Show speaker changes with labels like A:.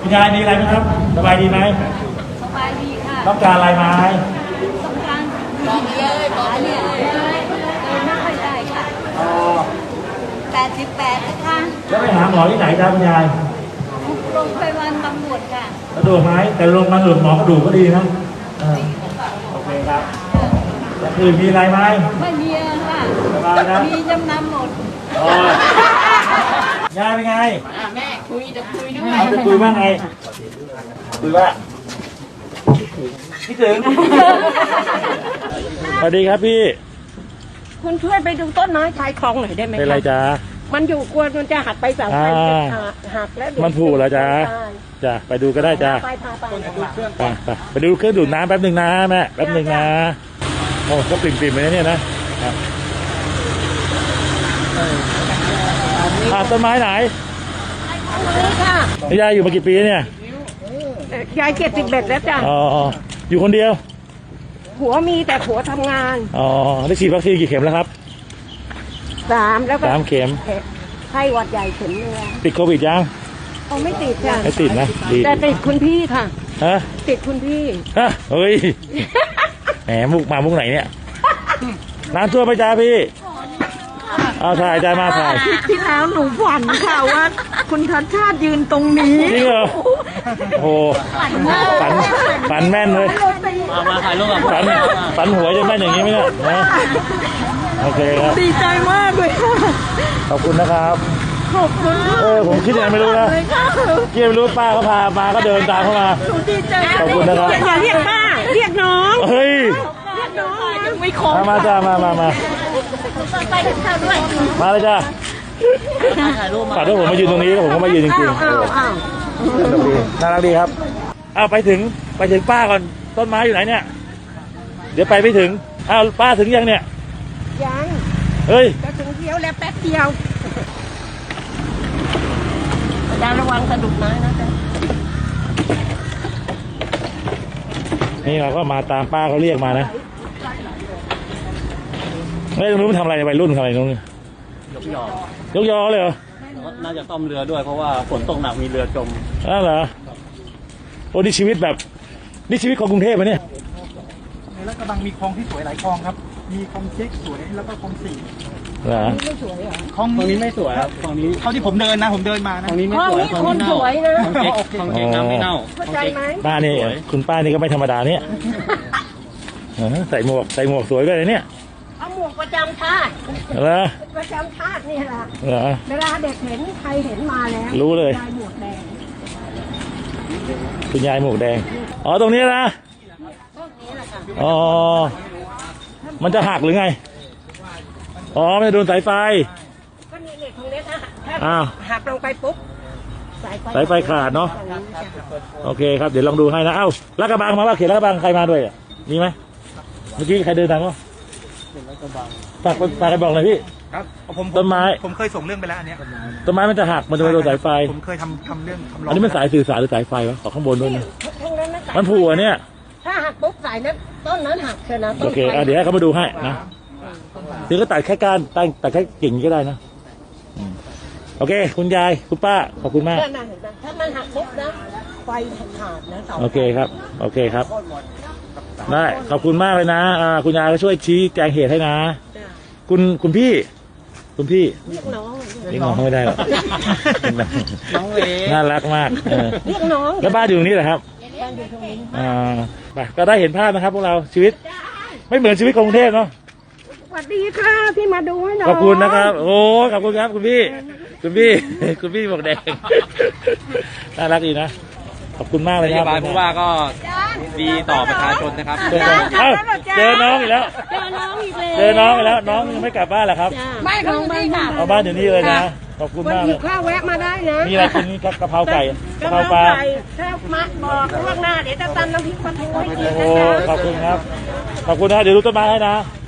A: คุณยายมีอะไรไหมครับสบายดีไหม
B: สบายดีค่ะ
A: ต้องการอะไรไหม
B: ต้องการบอกเลยเดินไม่ค่อยได้ค่ะ88นะคะ
A: แล้วไปหาหมอที่ไหนครับคุณยาย
B: โรงพยาบาลตำรวจค่ะ
A: กระดูกไหมแต่โรงพยาบาลหมอกระดูกก็ดีนะโอเคครับแล้วคือมีอะไรไหม
B: ไม่มีค่ะ
A: สบายนะ
B: มีจำนำหมด
A: ยายเป็นไง
B: แม่คุยจะคุยด้วย
A: จะคุยว่าไงคุยว่าพี่ถึงสวัสดีครับพี่
C: คุณช่วยไปดูต้นไม้ชายคลองหน่อยได้ไหม
A: เป็นไรจ๊ะ
C: มันอยู่กวนมันจะหักไปเสาไฟหักแล้ว
A: มันผูกแล้วจ๊ะจ้ะไปดูก็ได้จ้ะไปดูเครื่องดูดน้ำแป๊บหนึ่งนะแม่แป๊บหนึ่งนะโอ้ก็ปริ่มๆไปเนี่ยนะต้นไม้ไหนยายอยู่มากี่ปีเนี่ย
C: ยาย71แล้วจ้ะ
A: อ๋ออยู่คนเดียว
C: ผัวมีแต่ผัวทำงาน
A: อ๋อได้ฉีดวัคซีนกี่เข็มแล้วครับ
C: 3แล้วก็
A: 3 เข็ม
C: ไข้หวัดใหญ่เข็มนึง
A: ติดโควิดยัง
C: ไม่ติดค่ะ
A: ไม่ติดนะดี
C: แต่ติดคุณพี่ค่ะ
A: ฮะ
C: ติดคุณพี่
A: ฮะเฮ้ยแหมมุกไหนเนี่ยน้ำท่วมไหมจ๊ะพี่เอาถ่ายใจมาถ่าย
C: ที่แล้วหนูฝันค่ะว่าคุณชัดชาติยืนตรงนี้
A: จริงเหรอโอ้ฝันแม่นเลย
D: มาถ่ายรูปกับ
A: ฝันหัวจะแม่นอย่างนี้ไหมเนี่ยโอเคครับ
C: ดีใจมากเลยค่ะ
A: ขอบคุณนะครับ
C: ขอบคุณ
A: ผมคิดยังไม่รู้นะคิดไม่รู้ป้าเขาพามาก็เดินตามเข้ามา
C: ดีใจ
A: ขอบคุณนะครับ
C: อย่าเรียกป้าเรียกน้อง
A: เฮ้ย
C: เรียกน้องยังไม่ครบ
A: มาจ้ามา
C: ไปถึงข้าวด้วย
A: มาเลยจ้าฝากด้วยผมมายืนตรงนี้ผมก็มายืนจริงๆน่ารักดีครับไปถึงป้าก่อนต้นไม้อยู่ไหนเนี่ยเดี๋ยวไปไม่ถึงป้าถึงยังเนี่ย
C: ยัง
A: เฮ้ย
C: จะถึงเดียวแล้วแป๊บเดียวอย่าระวังกระดูกไม้นะจ๊ะ
A: นี่เราก็มาตามป้าเขาเรียกมานะไม่รู้มันทำอะไรวัยรุ่นทำอะไรนู้นยกยอเลยเหรอ
D: น่าจะซ่อมเรือด้วยเพราะว่าฝนตกหนักมีเรือจม
A: เหรอโอ้นี่ชีวิตแบบนี่ชีวิตของกรุงเทพไหมเนี่ย
E: ในลาดกระบังมีคลองที่สวยหลายคลองครับมีคลองเช็คสวยแล้วก็คลอง4
A: เหรอ
C: ไม่สวยเหรอ
D: คลองนี้ไม่สวยครับคลองนี้
E: เท่าที่ผมเดินมานะ
D: คลองนี้ไม่สวย
C: คลองนี้สวยนะ
D: คลองเช็คน้ำไม่เน่า
C: เข้าใจไหม
A: ป้านี่คุณป้านี่ก็ไม่ธรรมดาเนี่ยใส่หมวกสวยด้วยเนี่ย
C: เอาหมวกประจำชาติ
A: เหรอ
C: ประจำชาตินี่แหละ
A: เหรอ
C: เวลาเด็กเห็นใครเห็นมาแล้ว
A: รู้เลย
C: ยายหมวกแดง
A: คุณยายหมวกแดงตรงนี้นะมันจะหักหรือไงไม่โดนสายไฟ
C: ก็นี่ตรงนี้ถ้าหักลงไปปุ๊บ
A: สายไฟขาดเนาะโอเคครับเดี๋ยวลองดูให้นะลาดกระบังมาว่าเขตลาดกระบังใครมาด้วยมีไหมเมื่อกี้ใครเดินทางวะฝากไปบอกเลยพี่
E: ครับ
A: ต้นไม้
E: ผมเคยส่งเรื่องไปแล้วอันนี้
A: ต้นไม้มันจะหักมันจะไปโดนสายไฟ
E: ผมเคยทำเรื่อง
A: อันนี้มันสายสื่อสารหรือสายไฟวะข้างบนด้วยนะมันผูกเนี่ย
C: ถ้าหักปุ๊บสายนั้นต้นนั้นหักเชียวนะ
A: โอเคเดี๋ยวให้เขามาดูให้นะเดี๋ยวก็ตัดแค่ก้านตัดแค่กิ่งก็ได้นะโอเคคุณยายคุณป้าขอบคุณมาก
C: ถ้ามันหักปุ๊บนะไฟขาดนะ
A: โอเคครับได้ขอบคุณมากเลยนะคุณยายก็ช่วยชี้แจงเหตุให้นะคุณพี่เรียกน้องไม่ได้หรอก
D: น้องเว
A: น่ารักมาก
C: เรียกน้อง
A: แล้วบ้านอยู่ตรงนี้เหรอครับ
C: บ้านอยู่ตรงนี้
A: ก็ได้เห็นภาพนะครับพวกเราชีวิตไม่เหมือนชีวิตกรุงเทพเนาะ
C: สวัสดีค่ะที่มาดูให้น้อง
A: ขอบคุณนะครับโอ้ขอบคุณครับคุณพี่หมวกแดงน่ารักดีนะขอบคุณมากเลยครับ
D: ผู้ว่าก็ดีต่อประชาชนนะครับ
A: เจอน้องอีกแล้วน้องยังไม่กลับบ้านเหรอครับ
C: ไม่ของบ้านค่ะ
A: เอาบ้านอยู่นี่เลยนะขอบคุณมากเลย
C: ข้าวแวะมาได้นะ
A: มีอะไรกินกะเพราไก่กะเพราปลา
C: ถ้ามาบอกล่วงหน้าเดี๋ยวจะตำน้ำพริกปลาทูให้กิน
A: โอ้ขอบคุณครับขอบคุณนะเดี๋ยวดูต้นไม้ให้นะ